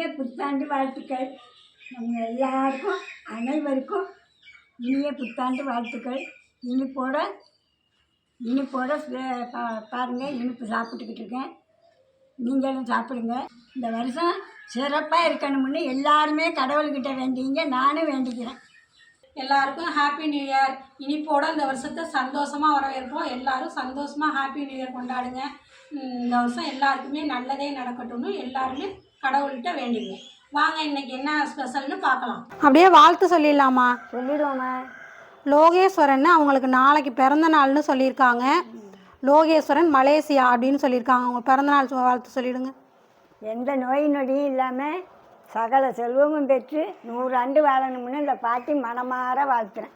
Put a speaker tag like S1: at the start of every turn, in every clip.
S1: இனிய புத்தாண்டு வாழ்த்துக்கள். நம்ம எல்லாருக்கும் அனைவருக்கும் இனிய புத்தாண்டு வாழ்த்துக்கள். இனிப்போட இனிப்போட பாருங்கள், இனிப்பு சாப்பிட்டுக்கிட்டு இருக்கேன். நீங்களும் சாப்பிடுங்க. இந்த வருஷம் சிறப்பாக இருக்கணும்னு எல்லாருமே கடவுள்கிட்ட வேண்டிங்க, நானும் வேண்டிக்கிறேன்.
S2: எல்லாருக்கும் ஹாப்பி நியூ இயர். இனிப்போட இந்த வருஷத்தை சந்தோஷமாக வரவேற்போம். எல்லாரும் சந்தோஷமாக ஹாப்பி நியூ இயர் கொண்டாடுங்க. இந்த வருஷம் எல்லாருக்குமே நல்லதே நடக்கட்டும்னு எல்லாருமே கடவுள்கிட்ட வேண்டிங்க. வாங்க இன்னைக்கு என்ன ஸ்பெஷல்னு பார்க்கலாம்.
S3: அப்படியே வாழ்த்து சொல்லிடலாமா?
S1: சொல்லிடுவோம்மா.
S3: லோகேஸ்வரன் அவங்களுக்கு நாளைக்கு பிறந்த நாள்னு சொல்லியிருக்காங்க. லோகேஸ்வரன் மலேசியா அப்படின்னு சொல்லியிருக்காங்க. அவங்க பிறந்தநாள் வாழ்த்து சொல்லிவிடுங்க.
S1: எந்த நோய் நொடியும் இல்லாமல் சகல செல்வமும் பெற்று 100 ஆண்டு வாழணும்னு இந்த பாட்டி மனமாற வாழ்த்துறேன்.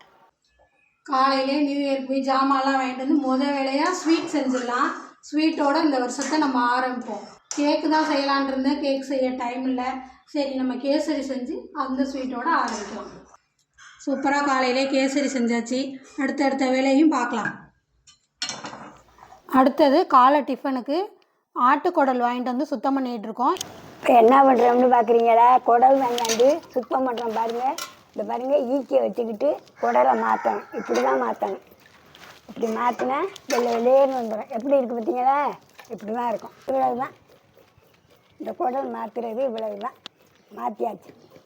S2: காலையிலே நியூ இயர் போய் ஜாமான்லாம் வாங்கிட்டு வந்து முதல் வேலையாக ஸ்வீட் செஞ்சிடலாம். ஸ்வீட்டோட இந்த வருஷத்தை நம்ம ஆரம்பிப்போம். கேக்கு தான் செய்யலான் இருந்தேன், கேக் செய்ய டைம் இல்லை. சரி, நம்ம கேசரி செஞ்சு அந்த ஸ்வீட்டோட ஆரம்பிக்கலாம். சூப்பராக காலையிலே கேசரி செஞ்சாச்சு. அடுத்தடுத்த வேலையும் பார்க்கலாம்.
S3: அடுத்தது காலை டிஃபனுக்கு ஆட்டுக்குடல் வாங்கிட்டு வந்து சுத்தம் பண்ணிகிட்ருக்கோம்.
S1: இப்போ என்ன பண்ணுறோம்னு பார்க்குறீங்களா? குடல் வாங்கியாண்டு சுத்தம் பண்ணுறோம். பாருங்கள், இந்த பாருங்கள், ஈக்கியை வச்சுக்கிட்டு குடலை மாற்றணும். இப்படி தான் மாற்றணும். இப்படி மாற்றினா வெள்ளையேன்னு வந்துடும். எப்படி இருக்குது பார்த்தீங்களா? இப்படி தான் இருக்கும். இவ்வளவு தான் இந்த குடல் மாற்றுறது. இவ்வளவு தான் மாற்றியாச்சு.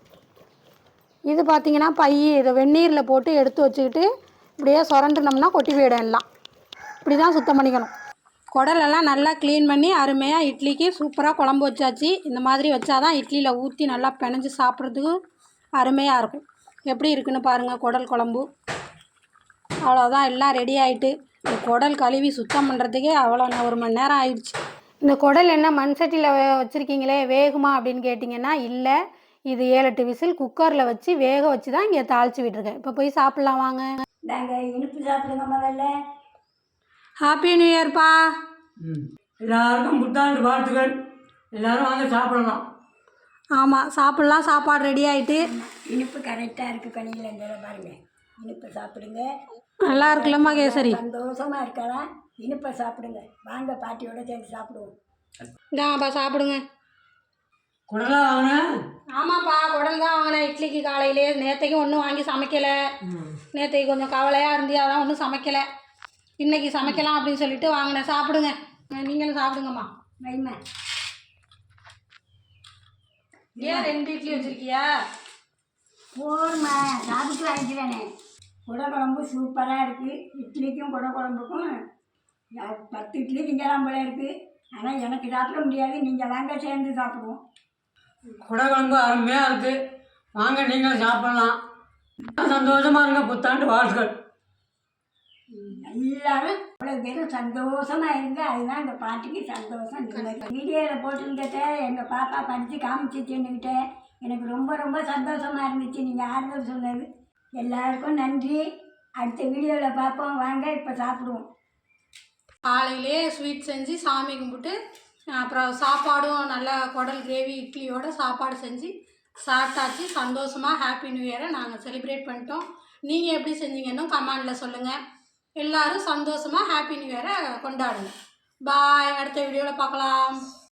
S3: இது பார்த்திங்கன்னா இதை வெந்நீரில் போட்டு எடுத்து வச்சுக்கிட்டு இப்படியே சுரண்டுனோம்னா கொட்டி போயிடும். எல்லாம் இப்படி தான் சுத்தம் பண்ணிக்கணும். குடலெல்லாம் நல்லா க்ளீன் பண்ணி அருமையாக இட்லிக்கு சூப்பராக குழம்பு வச்சாச்சு. இந்த மாதிரி வச்சாதான் இட்லியில் ஊற்றி நல்லா பிணைஞ்சு சாப்பிட்றதுக்கு அருமையாக இருக்கும். எப்படி இருக்குன்னு பாருங்கள் குடல் குழம்பு. அவ்வளோதான், எல்லாம் ரெடி ஆகிட்டு. இந்த குடல் கழுவி சுத்தம் பண்ணுறதுக்கே அவ்வளோ 1 மணி நேரம் ஆயிடுச்சு. இந்த குடல் என்ன மண் சட்டியில் வச்சுருக்கீங்களே, வேகுமா அப்படின்னு கேட்டிங்கன்னா இல்லை. இது 7-8 விசில் குக்கரில் வச்சு வேக வச்சு தான் இங்கே தாளித்து விட்டுருக்கேன். இப்போ போய் சாப்பிட்லாம் வாங்க.
S1: நாங்கள் இனிப்பு சாப்பிடுங்க முதல்ல.
S2: ஹாப்பி நியூ இயர்ப்பா.
S4: எல்லாருக்கும் புத்தாண்டு வாழ்த்துக்கள். எல்லோரும் வாங்க சாப்பிடலாம்.
S2: ஆமாம், சாப்பிட்லாம். சாப்பாடு ரெடி ஆகிட்டு.
S1: இனிப்பு கரெக்டாக இருக்குது. கனியில் இந்த பாருங்கள், இனிப்பு சாப்பிடுங்க.
S2: நல்லா இருக்குல்லம்மா கேசரி?
S1: சந்தோஷமாக இருக்கலாம். இனிப்பை சாப்பிடுங்க. வாங்க பாட்டியோட சேர்ந்து சாப்பிடுவோம்.
S2: இந்தாப்பா சாப்பிடுங்க.
S4: குடலாம் வாங்கினேன்.
S2: ஆமாப்பா, குடல் தான் வாங்கினேன் இட்லிக்கு காலையிலே. நேற்றைக்கும் ஒன்றும் வாங்கி சமைக்கலை. நேற்றைக்கு கொஞ்சம் கவலையாக இருந்தியா, அதான் ஒன்றும் சமைக்கலை. இன்றைக்கி சமைக்கலாம் அப்படின்னு சொல்லிட்டு வாங்கினேன். சாப்பிடுங்க, நீங்களும் சாப்பிடுங்கம்மா.
S1: வைமா.
S2: ஏன் 2 இட்லி வச்சுருக்கியா?
S1: போதுமா, சாப்பிட்டு வாங்கிக்கிறேனே. குடை குழம்பு சூப்பராக இருக்குது. இட்லிக்கும் குடை குழம்புக்கும் 10 இட்லி திங்கலாம் போல இருக்குது. ஆனால் எனக்கு சாப்பிட முடியாது. நீங்கள் வாங்க சேர்ந்து சாப்பிடுவோம்.
S4: குடை குழம்பு அருமையாக இருக்குது. வாங்க நீங்களும் சாப்பிடலாம். சந்தோஷமாக இருங்க. புத்தாண்டு வாழ்த்துக்கள்.
S1: எல்லாரும் அவ்வளோ பேரும் சந்தோஷமாக இருங்க. அதுதான் இந்த பாட்டிக்கு சந்தோஷம். வீடியோவில் போட்டுருந்துட்ட எங்கள் பாப்பா படித்து காமிச்சிச்சுன்னுக்கிட்ட எனக்கு ரொம்ப ரொம்ப சந்தோஷமாக இருந்துச்சு. நீங்கள் ஆறுதல் சொன்னது எல்லாருக்கும் நன்றி. அடுத்த வீடியோவில் பார்ப்போம். வாங்க இப்போ சாப்பிடுவோம்.
S2: காலையிலே ஸ்வீட் செஞ்சு சாமி கும்பிட்டு அப்புறம் சாப்பாடும் நல்லா குடல் கிரேவி இட்லியோட சாப்பாடு செஞ்சு சாப்பிட்டாச்சு. சந்தோஷமாக ஹாப்பி நியூ இயரை நாங்கள் செலிப்ரேட் பண்ணிட்டோம். நீங்கள் எப்படி செஞ்சீங்கன்னு கமெண்டில் சொல்லுங்கள். எல்லோரும் சந்தோஷமாக ஹாப்பி நியூ இயரை கொண்டாடுங்க. பாய். அடுத்த வீடியோவில் பார்க்கலாம்.